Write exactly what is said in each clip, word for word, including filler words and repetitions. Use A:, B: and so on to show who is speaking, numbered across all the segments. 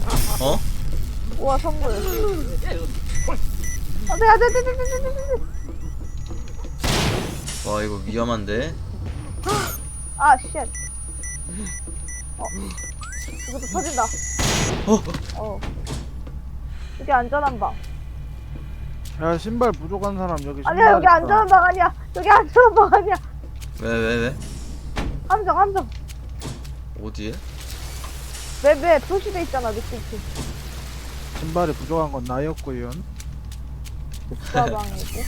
A: 어?
B: 우와 선물. 안돼 안돼 안돼 안돼 안돼 안돼.
A: 와 이거 위험한데?
B: 아 쉣. 어 이것도 터진다.
A: 어?
B: 어 여기 안전한 방.
C: 야 신발 부족한 사람 여기 신발
B: 아니야 여기
C: 있다.
B: 안전한 방 아니야. 여기 안전한 방 아니야.
A: 왜 왜 왜?
B: 함정 함정.
A: 어디에?
B: 맵에 표시돼 있잖아 느낌표.
C: 신발이 부족한 건 나였고요.
B: 국가방이고.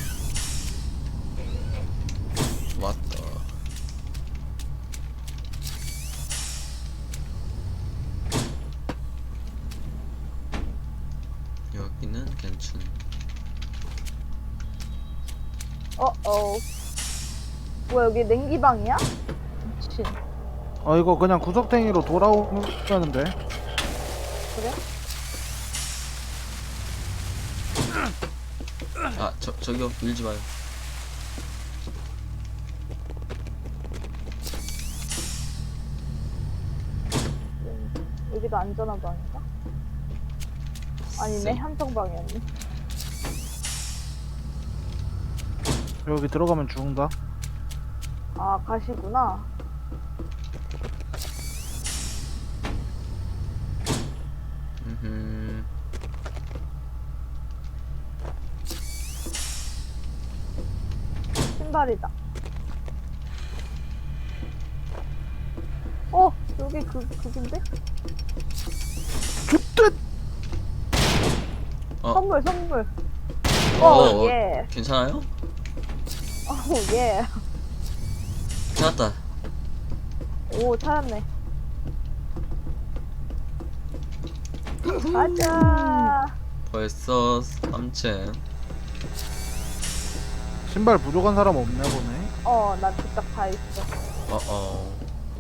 A: 맞다. 여기는 괜찮.
B: 어어. 뭐야 여기 냉기방이야? 미친.
C: 어 이거 그냥 구석탱이로 돌아오면 돼.
B: 그래?
A: 아 저 저기요 밀지 마요.
B: 여기도 안전한 방인가? 아니네
A: 쌩.
B: 함정방이었네.
C: 여기 들어가면 죽는다.
B: 아 가시구나.
A: 음.
B: 신발이다. 어 여기 그 그긴데?
C: 죽듯.
A: 어.
B: 선물 선물.
A: 어,
B: 어
A: 어,
B: 예.
A: 괜찮아요?
B: 어 예.
A: 찾았다.
B: 오 찾았네. 가자.
A: 벌써 삼층.
C: 신발 부족한 사람 없나 보네.
B: 어나 부탁 다 있어.
A: 어어.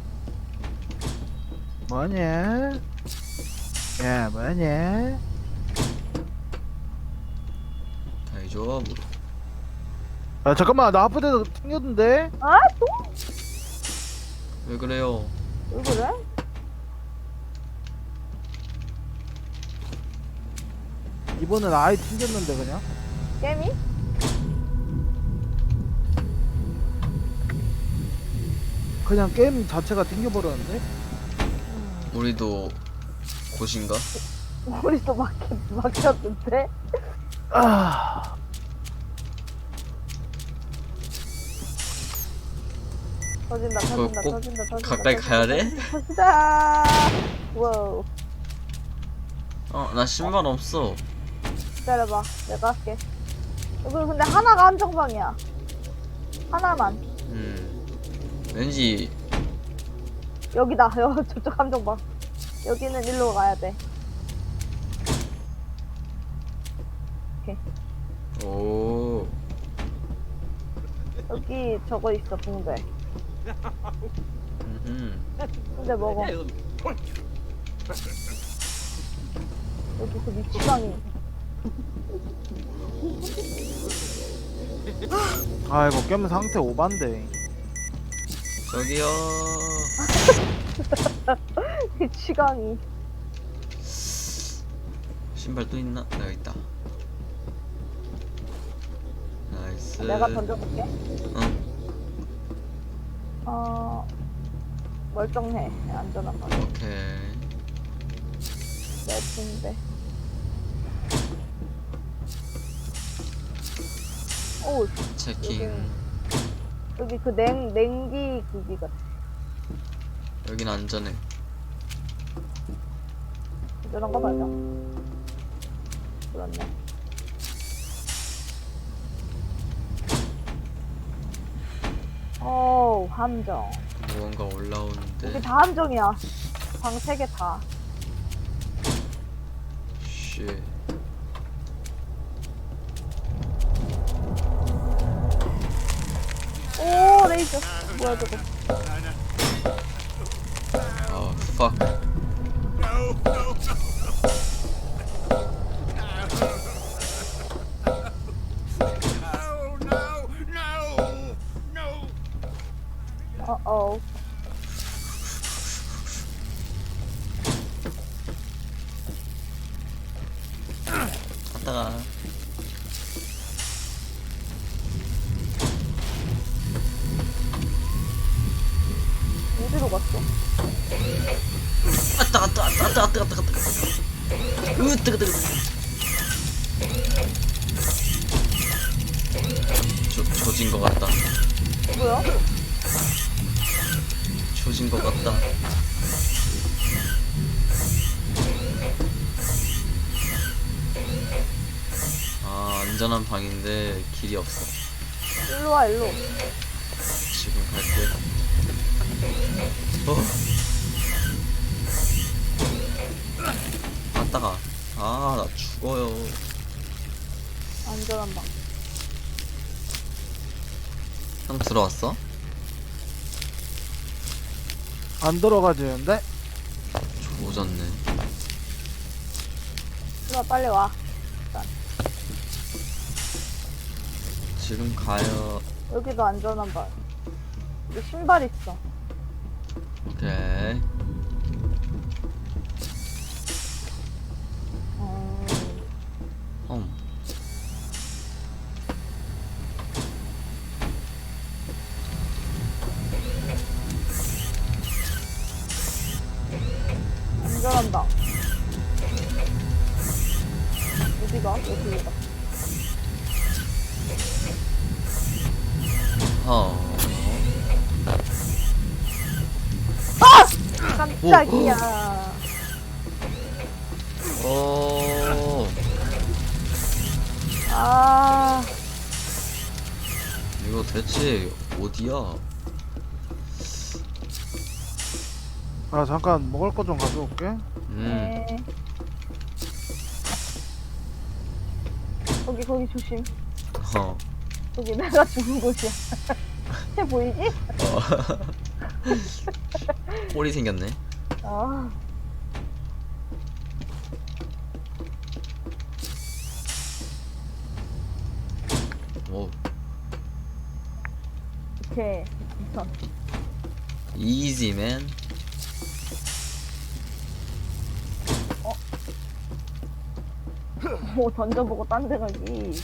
C: 뭐냐? 야 뭐냐?
A: 다이죠.
C: 야 잠깐만 나 아프대도 튕겼는데?
B: 아 또?
A: 왜 그래요?
B: 왜 그래?
C: 이번엔 아예 튕겼는데 그냥?
B: 깨미?
C: 그냥 게임 자체가 튕겨버렸는데?
A: 우리도 곳인가?
B: 우리도 막혔 막혔는데?
C: 아
B: 터진다
A: 그거
B: 터진다
A: 꼭
B: 터진다 터진다.
A: 가까이
B: 터진다,
A: 가야 돼?
B: 터진다. 와우.
A: 어, 나 신발 없어.
B: 기다려봐 내가 할게. 여기 근데 하나가 한정방이야. 하나만.
A: 음. 왠지
B: 여기다. 여 저쪽 함정방. 여기는 일로 가야 돼. 오케이.
A: 오.
B: 여기 저거 있어 붕대.
A: 음.
B: 붕대 먹어. 여기 그 미치광이.
C: 아 이거 게임 상태 오반데.
A: 저기요.
B: 미치광이.
A: 신발 또 있나? 나 여기 있다. 나이스.
B: 내가 던져볼게.
A: 응.
B: 어 멀쩡해. 안전한 거.
A: 오케이.
B: 내 붕대. 오
A: 체킹.
B: 여기 그 냉 냉기 그기가.
A: 여긴 안전해.
B: 안전한 거 맞아. 그렇네. 오 함정.
A: 무언가 올라오는데.
B: 여기 다 함정이야. 방 세 개 다.
A: 쉣.
B: 오 레이저. 뭐야 저거.
A: 아, fuck.
B: 어어.
A: 나가.
B: 어디로 갔어?
A: 아따 아따 아따 아따 아따 아따 아따. 으 뜨거 뜨거 뜨거. 조 조진 것 같다.
B: 뭐야?
A: 조진 것 같다. 아 안전한 방인데 길이 없어.
B: 일로 와, 일로.
A: 지금 갈게. 어. 아따가. 아 나 죽어요.
B: 안전한 방.
A: 형 들어왔어?
C: 안 들어가지는데?
A: 조졌네.
B: 일로 와, 빨리 와.
A: 지금 가요.
B: 여기도 안전한 방. 여기 신발 있어.
A: 오케이.
B: 음,
A: 험.
B: 안전한 방. 어디가? 여기다.
A: 어.
B: 깜짝이야.
A: 오.
B: 아,
A: 이거 대체 어디야?
C: 아 잠깐 먹을 거 좀 가져올게.
A: 음.
B: 네. 거기, 거기 조심.
A: 어.
B: 거기 내가 죽은 곳이야. 쟤 보이지?
A: 어. 꼴이 생겼네.
B: 아,
A: 오.
B: 오케이. 우선.
A: 이지맨.
B: 뭐 던져보고 딴 데 가기.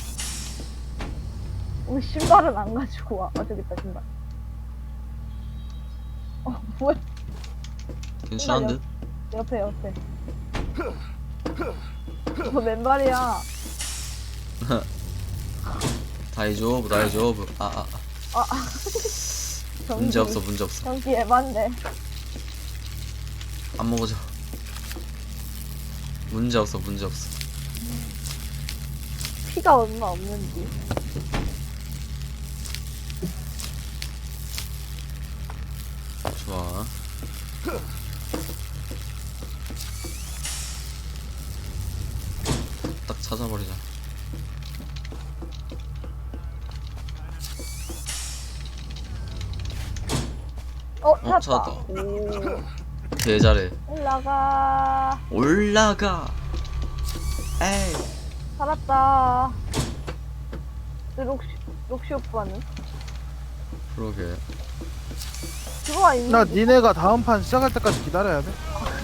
B: 왜 신발은 안 가지고 와? 아, 저기 있다, 신발. 어, 뭐야?
A: 괜찮은 듯?
B: 옆에, 옆에. 뭐 맨발이야.
A: 다이조브 다이조브. 아 아. 아.
B: 아, 아. 전기.
A: 문제 없어 문제 없어.
B: 전기 에반데.
A: 안 먹어져. 문제 없어 문제 없어.
B: 피가 얼마 없는지.
A: 좋아. 딱 찾아버리자.
B: 어,
A: 어,
B: 찾았다.
A: 찾았다.
B: 오,
A: 개 잘해.
B: 올라가.
A: 올라가. 에이.
B: 살았다. 그 록시, 록시 오빠는?
A: 그러게.
B: 들어와 있는.
C: 나 니네가 다음 판 시작할 때까지 기다려야 돼.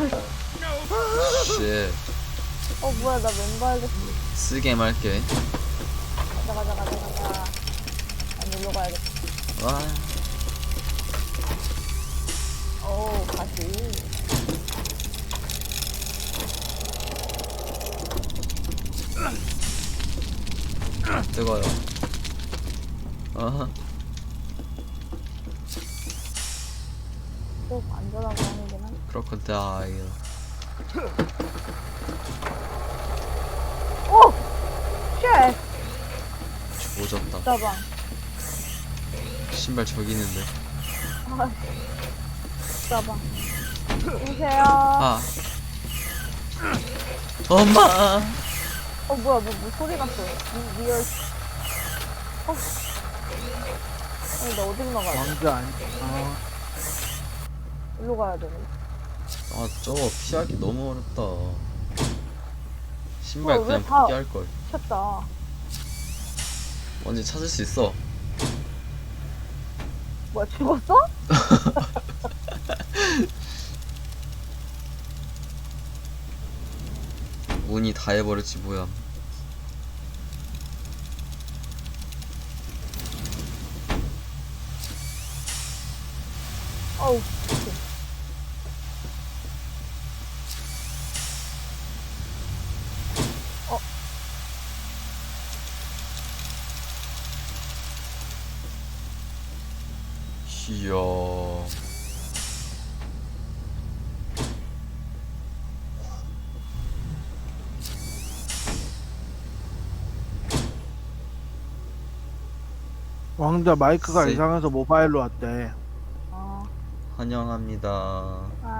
A: 씨.
B: 어, 뭐야, 나 맨발 됐어.
A: 쓰게 말게.
B: 가자, 가자, 가자, 가자. 난 일로 가야겠다.
A: 와.
B: 오, 가지.
A: 뜨거요. 아하.
B: 또 안전한 거 아니긴 한데.
A: 크로커다일.
B: 오! 쉣!
A: 조졌다.
B: 짜방.
A: 신발 저기 있는데.
B: 아, 짜방. 여보세요?
A: 아. 엄마.
B: 어, 뭐야, 뭐, 뭐 소리 났어. 리, 리얼. 어. 아니, 나 어디로 나가야 돼?
C: 왕자 아니. 아,
B: 일로 가야 되네.
A: 아 저거 피하기 너무 어렵다. 신발
B: 어, 왜
A: 그냥
B: 다-
A: 포기할걸.
B: 켰다.
A: 언제 찾을 수 있어.
B: 뭐야, 죽었어?
A: 운이 다 해버렸지 뭐야.
B: 어우. 어.
A: 이야.
C: 왕자 마이크가
A: 세-
C: 이상해서 모바일로 왔대.
B: 어.
A: 환영합니다.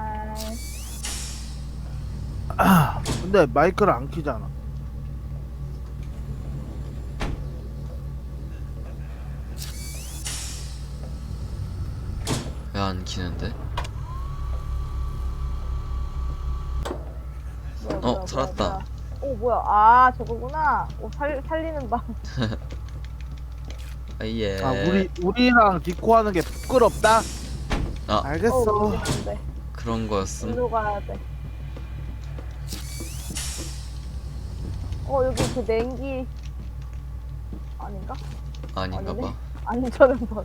B: 아이.
C: 근데 마이크를 안 키잖아.
A: 왜 안 키는데?
B: 뭐야,
A: 어,
B: 뭐야,
A: 살았다.
B: 뭐야, 뭐야. 오 뭐야? 아 저거구나. 오 살 살리는 방.
A: 아예.
C: 아 우리 우리랑 디코 하는 게 부끄럽다.
A: 아,
C: 알겠어.
B: 어 여기 안 돼.
A: 그런 거였음.
B: 일로 가야 돼. 어 여기 그 냉기 아닌가?
A: 아닌가
B: 아니네.
A: 봐.
B: 안전한 방.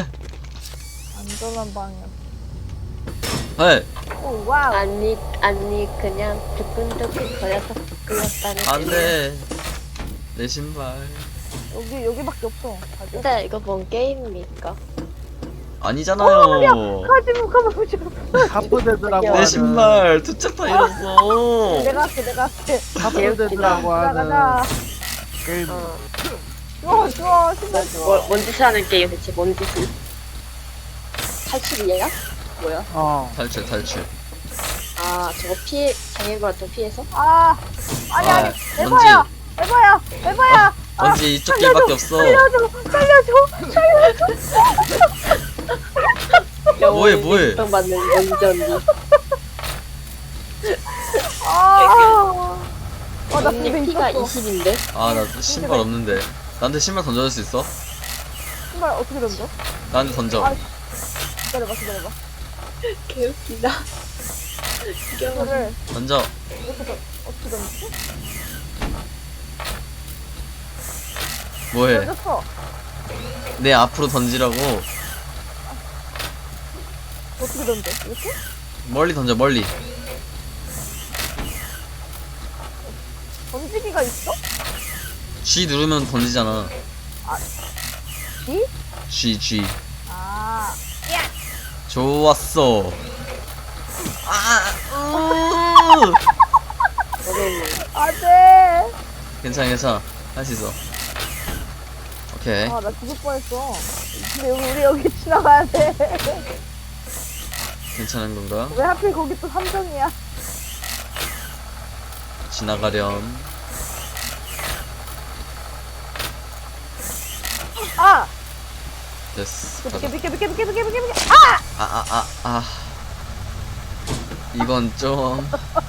B: 안전한 방이야.
A: 헐!
B: 오 와우.
D: 아니 아니 그냥 두근두근 거려서 끌렸다는
A: 안 돼. 내 신발.
B: 여기 여기밖에 없어. 가자.
D: 근데 이거 뭔 게임입니까?
A: 아니잖아요.
B: 가지마 가지마.
C: 하프데드라고
A: 내
C: 하는
A: 신발 투짝 다 잃었어.
B: 내가 할게 내가 할게.
C: 하프데드라고
B: 가자
C: 하는
B: 가자.
C: 게임.
D: 어.
B: 좋아 좋아 신발
D: 뭐,
B: 좋아.
D: 뭔 짓을 하는 게임 대체 뭔 짓을? 탈출이야? 뭐야?
C: 어.
A: 탈출 탈출.
D: 아 저거 피해 장애물한테 피해서?
B: 아 아니
A: 아,
B: 아니
A: 뭔지.
B: 에바야 에바야 에바야. 아,
A: 언제 이쪽 길밖에 없어.
B: 살려줘 살려줘 살려줘.
A: 뭐해, 뭐해?
D: 인정 받는 연지 언니.
B: 아. 와나
D: 언니
B: 근데
D: 피가
B: 있었어.
D: 이십인데?
A: 아, 나 신발 없는데. 나한테 신발 던져줄 수 있어?
B: 신발 어떻게 던져?
A: 나한테 던져.
B: 아, 기다려봐 기다려봐.
D: 개웃기다. 귀여워.
B: 이거를
A: 던져.
B: 어떻게 던 어떻게 던지지?
A: 뭐해?
B: 던졌어.
A: 내 앞으로 던지라고.
B: 어떻게 던져? 이렇게?
A: 멀리 던져, 멀리.
B: 던지기가 있어?
A: G 누르면 던지잖아.
B: G?
A: G, G.
B: 아.
A: 좋았어. 아, 으.
B: 안돼.
A: 괜찮아, 괜찮아. 할 수 있어. 오케이.
B: 아 나 죽을 뻔했어. 근데 여기 우리 여기 지나가야 돼.
A: 괜찮은 건가?
B: 왜 하필 거기 또 삼성이야?
A: 지나가렴.
B: 아!
A: 됐어.
B: 비켜
A: 가자.
B: 비켜 비켜 비켜 비켜 비켜 비켜. 아!
A: 아, 아, 아, 아. 이건 좀.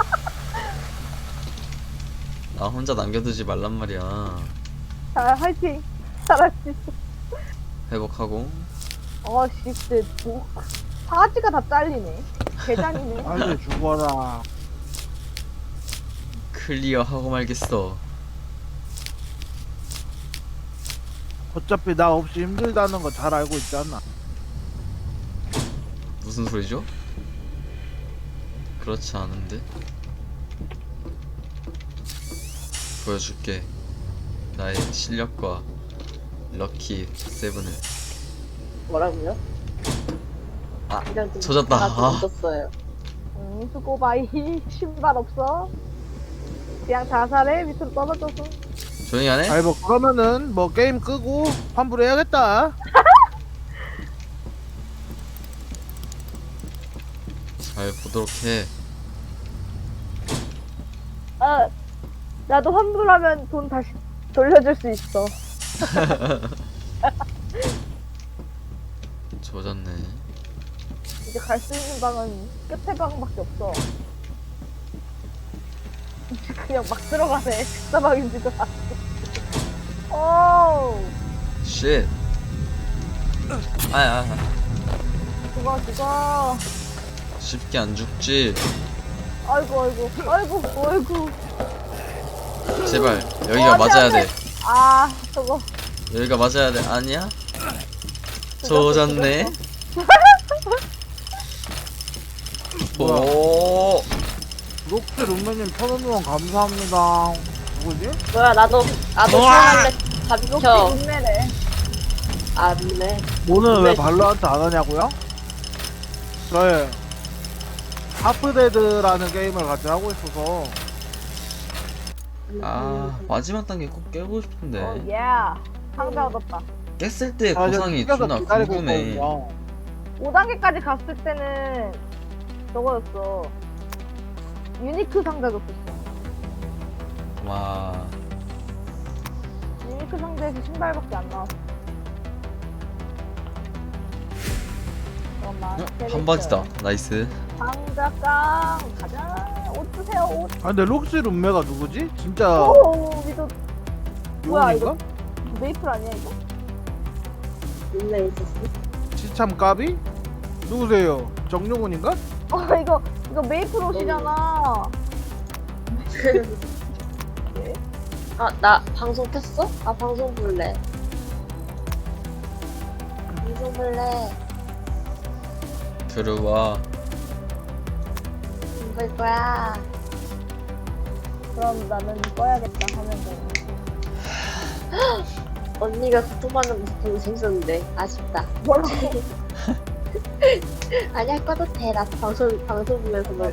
A: 나 혼자 남겨두지 말란 말이야.
B: 자 화이팅. 잘할 수 있어.
A: 회복하고.
B: 어씨 진짜 뭐 바지가 다 잘리네. 개장이네.
C: 빨리 죽어라.
A: 클리어하고 말겠어.
C: 어차피 나 없이 힘들다는 거 잘 알고 있잖아.
A: 무슨 소리죠? 그렇지 않은데? 보여줄게. 나의 실력과 럭키 세븐을.
D: 뭐라고요?
A: 아,
D: 이런 좀
A: 젖었다.
D: 다
A: 아.
D: 젖었어요.
B: 응 수고 바이. 신발 없어. 그냥 자살해 밑으로 떨어져서.
A: 조용히 하네?
C: 아니 뭐 그러면은 뭐 게임 끄고 환불해야겠다.
A: 잘 보도록 해.
B: 아 나도 환불하면 돈 다시 돌려줄 수 있어.
A: 조졌네.
B: 이제 갈 수 있는 방은 끝에 방밖에 없어. 이제 그냥 막 들어가네. 식사방인지도 알고. 오,
A: 쉣. 아, 아, 아.
B: 죽어 죽어.
A: 쉽게 안 죽지.
B: 아이고 아이고 아이고 아이고.
A: 제발 여기가
B: 어,
A: 맞아야
B: 안 돼,
A: 돼.
B: 아 저거.
A: 여기가 맞아야 돼. 아니야?
B: 죽었어,
A: 조졌네.
B: 죽었어.
A: 오.
C: 록스 룸메님 천원 후원 감사합니다. 누구지?
D: 뭐야, 나도, 나도
A: 우와!
D: 후원할래. 다
B: 역시
D: 비켜.
B: 동네래.
D: 안 돼.
C: 오늘 왜
D: 네.
C: 발로한테 안 하냐고요? 저희 하프데드라는 게임을 같이 하고 있어서
A: 아 마지막 단계 꼭 깨고 싶은데
B: 어, 예. 상자 얻었다.
A: 깼을 때
C: 아,
A: 보상이
C: 저
A: 존나
C: 기다리고
A: 궁금해.
C: 있거든요.
B: 오 단계까지 갔을 때는 저거였어. 유니크 상자 줬었어.
A: 와
B: 유니크 상자에서 신발밖에 안 나왔어. 잠깐만.
A: 어?
B: 캐릭터.
A: 반바지다. 나이스.
B: 상자 깡 가자. 옷 주세요. 옷.
C: 아 근데 록스 룸메가 누구지? 진짜
B: 오, 미도 뭐야,
C: 요원인가?
B: 메이플 아니야 이거?
D: 룸메 있었어.
C: 시참 까비? 누구세요? 정용훈인가?
B: 어 이거 이거 메이플 옷이잖아. 네?
D: 아, 나 방송 켰어? 아, 방송 볼래. 방송 볼래.
A: 들어와.
D: 볼 거야.
B: 그럼 나는 꺼야겠다 하면 돼.
D: 언니가 고통받는 모습 보고 재밌었는데 아쉽다.
B: 뭐라고?
D: 아니야, 꺼도 돼. 나 방송 방송 보면서 뭐.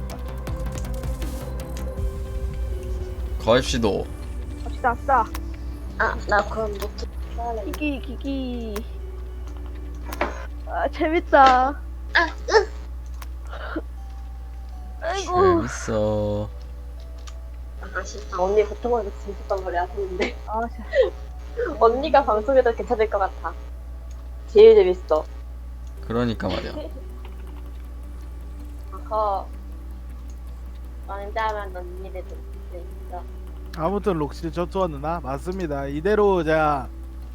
A: 가입시도.
B: 갑시다, 갑시다.
D: 아, 나 그럼 노트 켜야
B: 기기, 기기. 아, 재밌다.
D: 아, 으.
B: 아이고.
A: 재밌어.
D: 아쉽다. 언니 고통받는 모습 재밌었단 말이야. 아는데
B: 아, 자.
D: 언니가 방송해도 괜찮을 것 같아. 제일 재밌어.
A: 그러니까 말이야.
D: 아까 왕자만 언니들도 재밌어.
C: 아무튼 록시 저투원 누나 맞습니다. 이대로 자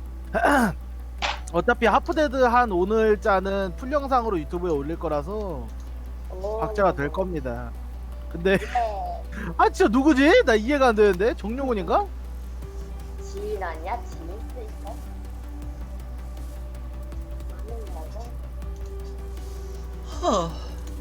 C: 어차피 하프데드 한 오늘자는 풀 영상으로 유튜브에 올릴 거라서
D: 오.
C: 박제가 될 겁니다. 근데
D: 네.
C: 아 진짜 누구지? 나 이해가 안 되는데 정용훈인가?
D: 지인 아니야? 지인 수 있어? 아는 거고?
A: 하.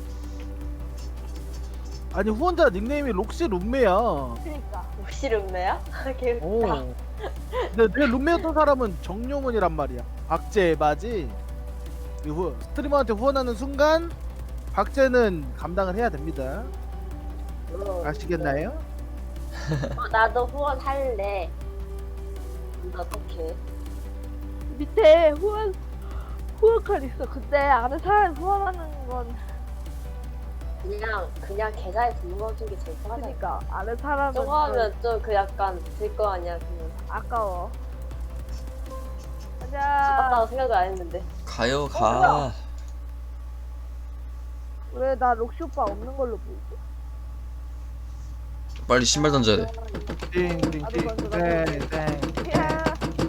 C: 아니 후원자 닉네임이 록시 룸메야.
B: 그니까.
D: 혹시 룸메야? 개웃다.
C: 오. 근데 내 룸메였던 사람은 정용훈이란 말이야. 박제 에바지. 이 후, 스트리머한테 후원하는 순간 박제는 감당을 해야 됩니다.
D: 어,
C: 아시겠나요?
D: 어, 나도 후원할래. 근데 어떡해.
B: 밑에 후원, 후원칸 있어. 근데 아는 사람 후원하는 건.
D: 그냥 그냥 계좌에 등록해준 게 제일 편하다.
B: 그니까. 아는 사람은.
D: 저거 하면 좀 그 약간 들 거 아니야. 그냥
B: 아까워. 가자.
D: 아깝다고 생각을 안 했는데.
A: 가요
B: 어,
A: 가.
B: 왜 나 록시 오빠 없는 걸로 보이지?
A: 빨리 신발 던져야 돼.
C: 띵띵띵.
B: 나도 먼저, 나도
C: 네,
B: 먼저.
C: 네.
B: 야.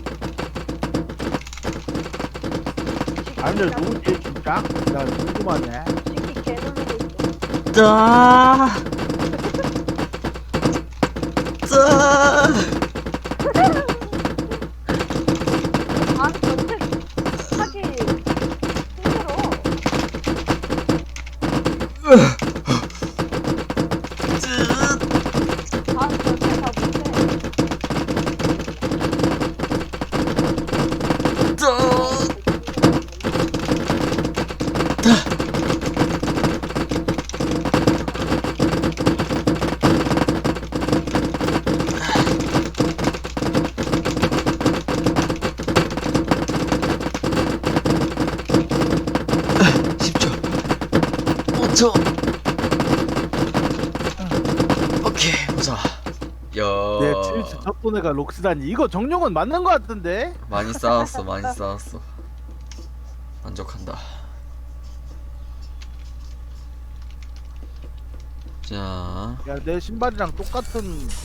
C: 아니 근데 누구지 진짜? 나 궁금하네.
B: 시키 개 놀리고 있어.
A: 짜. 짜.
B: 아, 전체 하기 힘들어. 아, 전체 다 못해.
A: 십 초. 오 초. 오케이 보자. 야.
C: 네, 칠십 첫 애가 록스다니 이거 정용은 맞는 거 같은데?
A: 많이 쌓았어, 많이 쌓았어. 만족한다. 자,
C: 야 내 신발이랑 똑같은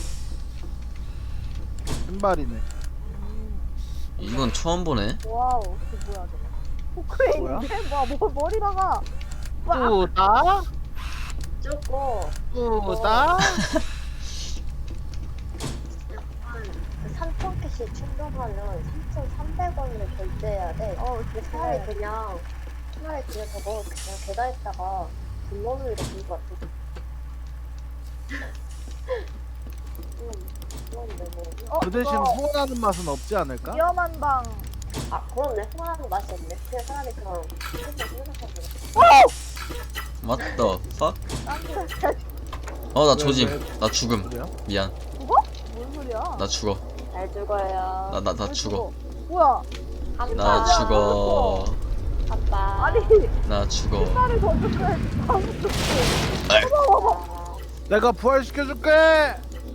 C: 신발이네.
A: 이건 처음 보네.
B: 와우, 그 뭐야 저거. 포크레인인데? 와, 뭐 머리다가. 와,
C: 뿌다?
D: 쪼고
C: 뿌다?
D: 그 삼천캐시 충전하면 삼천삼백 원을 결제해야 돼.
B: 어,
D: 근데 차라리 그냥 차라리 그냥 저거 그냥 계좌에다가 분노를 같은 것 같아. 음, 그런데 뭐.
B: 어,
C: 그 대신
B: 이거
C: 후원하는 맛은 없지 않을까?
B: 위험한 방.
D: 아, 그렇네. 후원하는 맛이 없네. 그냥 차라리 그냥 조금만 생각하고.
A: What the fuck?
B: 딴데
A: 어 나
C: 왜,
A: 조짐.
C: 왜?
A: 나 죽음.
C: 그래요?
A: 미안.
B: 죽어? 뭔 소리야?
A: 나 죽어.
D: 잘 죽어요.
A: 나 나 나
B: 왜
A: 죽어.
B: 뭐야?
D: 아빠.
A: 나 죽어.
D: 아빠.
B: 아니
A: 나 죽어.
B: 신발을 던졌어야지. 방금 죽고.
D: 아,
C: 내가 부활시켜줄게.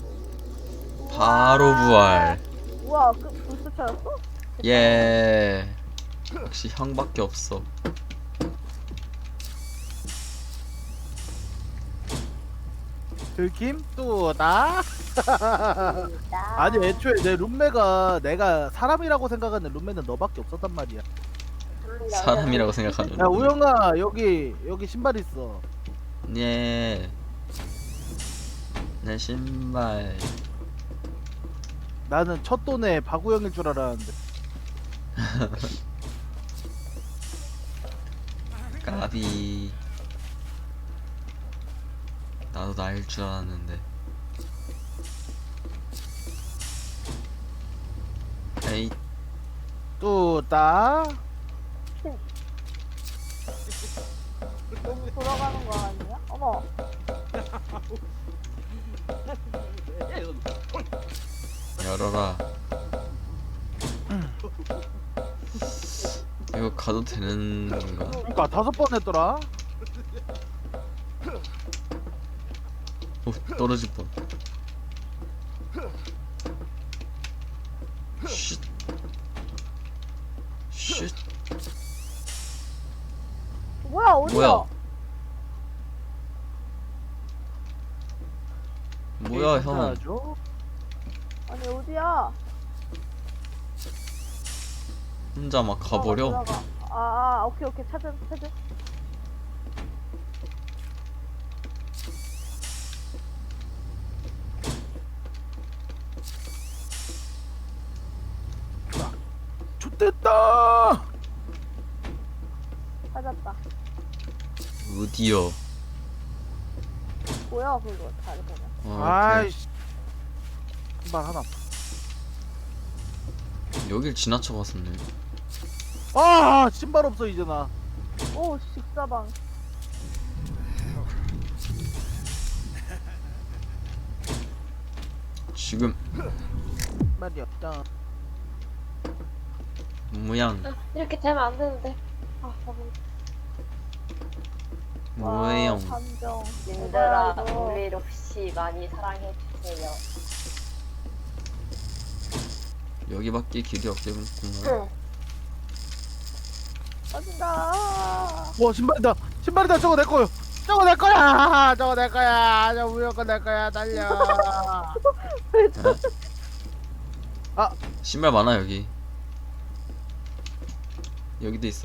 A: 바로 부활.
B: 우와, 그 불스 찾았어?
A: 예. 역시 형밖에 없어.
C: 들킴 또 나?
D: 진짜.
C: 아니 애초에 내 룸메가 내가 사람이라고 생각하는 룸메는 너밖에 없었단 말이야.
A: 사람이라고 생각하는.
C: 야 우영아 여기 여기 신발 있어.
A: 예. 내 신발.
C: 나는 첫 돈에 박우영일 줄 알았는데.
A: 까비. 나도 나일 줄 알았는데. 에이.
C: 또 나?
B: 너무 돌아가는 거 아니야? 어머.
A: 열어라. 이거 가도 되는 건가?
C: 그러니까 다섯 번 했더라.
A: 오, 떨어질 뻔. 쉿. 쉿.
B: 뭐야, 어디야?
A: 뭐야? 뭐야, 형.
C: 괜찮아죠?
B: 아니, 어디야?
A: 혼자 막
B: 어,
A: 가버려?
B: 들어가. 아, 아, 오케이, 오케이. 찾은, 찾은.
C: 좋됐다.
B: 찾았다.
A: 어디요?
B: 뭐야, 그거. 잘 보면.
A: 어,
C: 아이씨. 신발 하나.
A: 오케이. 여길 지나쳐 갔었네.
C: 아 신발 없어 이제 나.
B: 오, 식사방.
A: 지금
C: 말이 없다.
A: 모양
D: 아, 이렇게 되면 안 되는데. 아, 너무.
A: 모양.
B: 감정.
D: 님들아,
B: 뭐야, 이거.
D: 우리 록시 많이 사랑해주세요.
A: 여기밖에 길이 없겠구나.
D: 응.
B: 빠진다.
C: 와 신발이다. 신발이다. 저거 내 거요. 저거 내 거야. 저거 내 거야. 저 우영 거내 거야. 달려.
A: 신발 많아 여기. 여기도 있어.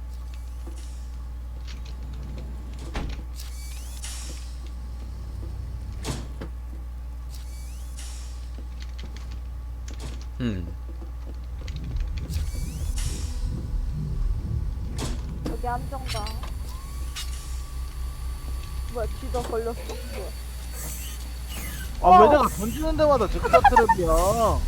A: 음.
B: 여기 함정방. 뭐야, 쥐도 걸렸어? 뭐야.
C: 아 왜 내가 던지는 데마다 즉사 트랩이야.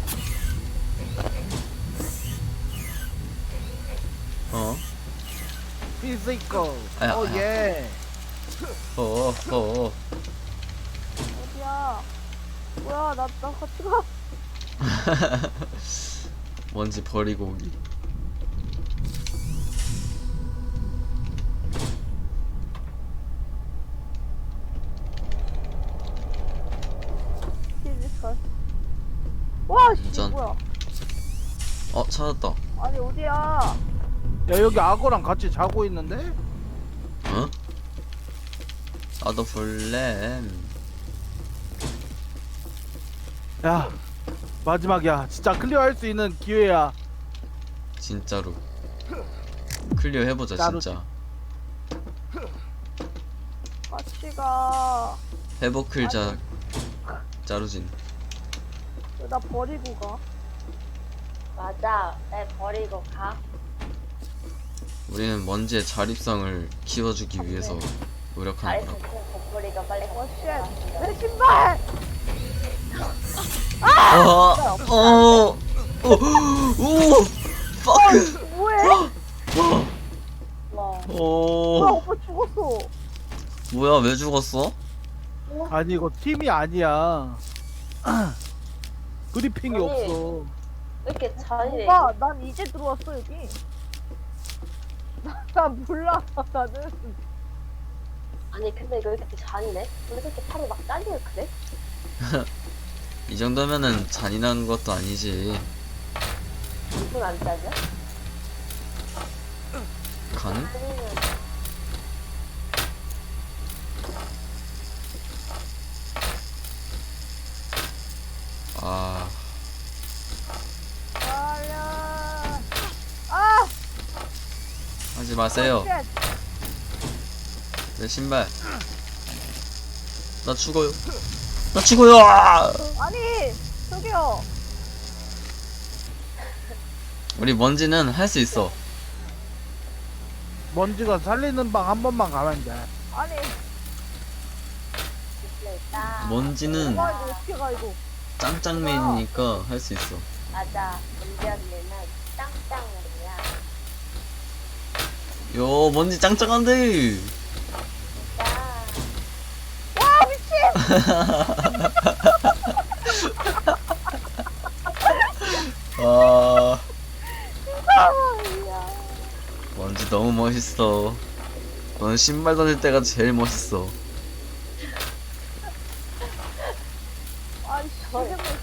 A: 어?
C: 피지컬.
A: 아야,
C: 오
A: 아야.
C: 예.
A: 어, 어.
B: 어디야? 뭐야, 나, 나 같이 가.
A: 먼지 버리고 오기.
B: 피지컬. 와, 씨,
A: 완전.
B: 뭐야.
A: 어, 찾았다.
B: 아니, 어디야?
C: 야 여기 악어랑 같이 자고 있는데?
A: 어? 나도 볼래.
C: 야 마지막이야. 진짜 클리어할 수 있는 기회야.
A: 진짜로. 클리어 해보자
C: 따로-
A: 진짜.
B: 같이 가.
A: 회복클자 짜루진.
B: 왜 나 버리고 가?
D: 맞아. 날 버리고 가.
A: 우리는 먼지의 자립성을 키워주기 위해서 노력하는
D: 잘했어.
A: 거라고.
D: 곰돌이가 빨리
B: 어, 쉣. 내 신발!
A: 어, 어, 오, 오, fuck.
B: 뭐해?
D: 와.
B: 뭐야,
A: 오,
B: 오빠 죽었어.
A: 뭐야, 왜 죽었어?
C: 아니 이거 팀이 아니야. 그리핑이
D: 아니.
C: 없어.
D: 왜 이렇게 잔인해?
B: 오빠, 난 이제 들어왔어, 여기. 나, 나 몰라, 나는.
D: 아니 근데 이거 왜 이렇게 잔인해? 왜 이렇게 팔이 막 잘려 그래?
A: 이 정도면은 잔인한 것도 아니지.
D: 이건 안 잘려?
A: 가능?
D: 아니면
A: 아,
B: 달려. 아!
A: 하지 마세요.
B: 쉣.
A: 내 신발. 나 죽어요. 나 죽어요. 아!
B: 아니, 저기요.
A: 우리 먼지는 할 수 있어.
C: 먼지가 살리는 방 한 번만 가면 돼.
B: 아니,
D: 있다.
A: 먼지는
B: 오빠 이거 어떻게 가, 이거.
A: 짱짱맨이니까 할 수 있어.
D: 맞아. 문제언니는 짱짱이야.
A: 요, 먼지 짱짱한데.
D: 짱.
B: 와, 미친!
A: 아,
B: 아,
A: 먼지 너무 멋있어. 넌 신발 던질 때가 제일 멋있어.
B: 아이씨,
D: 저래.
B: 세상에.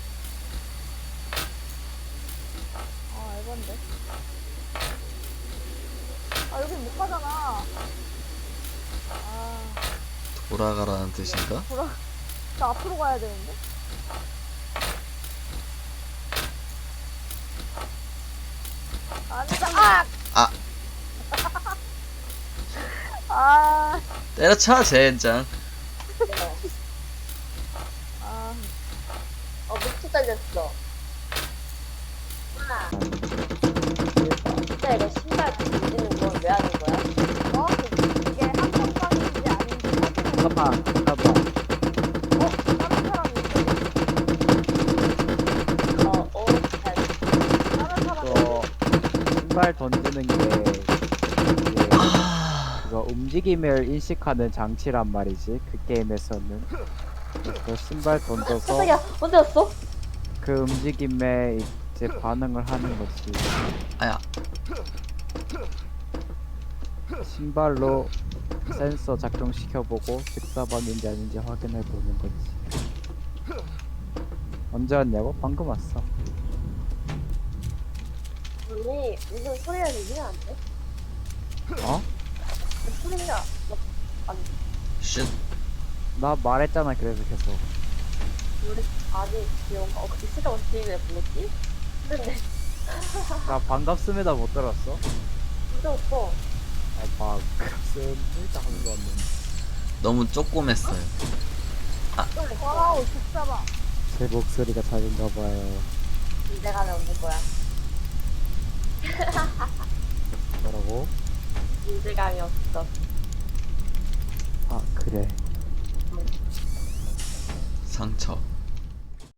B: 아, 알건데. 아, 여긴 못 가잖아. 아,
A: 돌아가라는 뜻인가?
B: 돌아. 나 앞으로 가야 되는데? 아니다, 아!
A: 아,
B: 아,
A: 때려쳐, 젠장.
B: 아,
D: 어, 목치 잘렸어. 아. 진짜 이거 신발 뒤지는 건 왜 하는 거야?
B: 어? 이게 한 번만인지 아닌지 확인해.
C: 잠깐만, 잠깐만.
B: 어? 다른 사람이 있어.
D: 어, 어, 잘.
B: 다른 사람이
E: 이거 신발 던지는 게 이게
A: 아,
E: 그거 움직임을 인식하는 장치란 말이지. 그 게임에서는 그 신발 던져서
D: 깜짝이야, 언제 왔어?
E: 그 움직임에 이제 반응을 하는 거지.
A: 아야.
E: 신발로 센서 작동시켜보고 직사방인지 아닌지 확인해 보는 거지. 언제 왔냐고? 방금 왔어.
D: 언니, 무슨 소리가 들리면 안 돼?
E: 어?
D: 소리가, 아니,
A: 쉣.
E: 나 말했잖아. 그래서 계속
D: 우리 아니, 귀여운가? 어, 근데 진짜 어떻게 왜 불렀지? 근데,
E: 나 반갑습니다 못 들었어?
D: 진짜 없어.
E: 아 반갑습니다 하면서 왔는데
A: 너무 쪼꼬맸어요.
B: 와우, 죽잡아.
E: 제 목소리가 작은가 봐요.
D: 인제감이 없는 거야.
E: 뭐라고?
D: 인제감이 없어.
E: 아 그래.
A: 상처.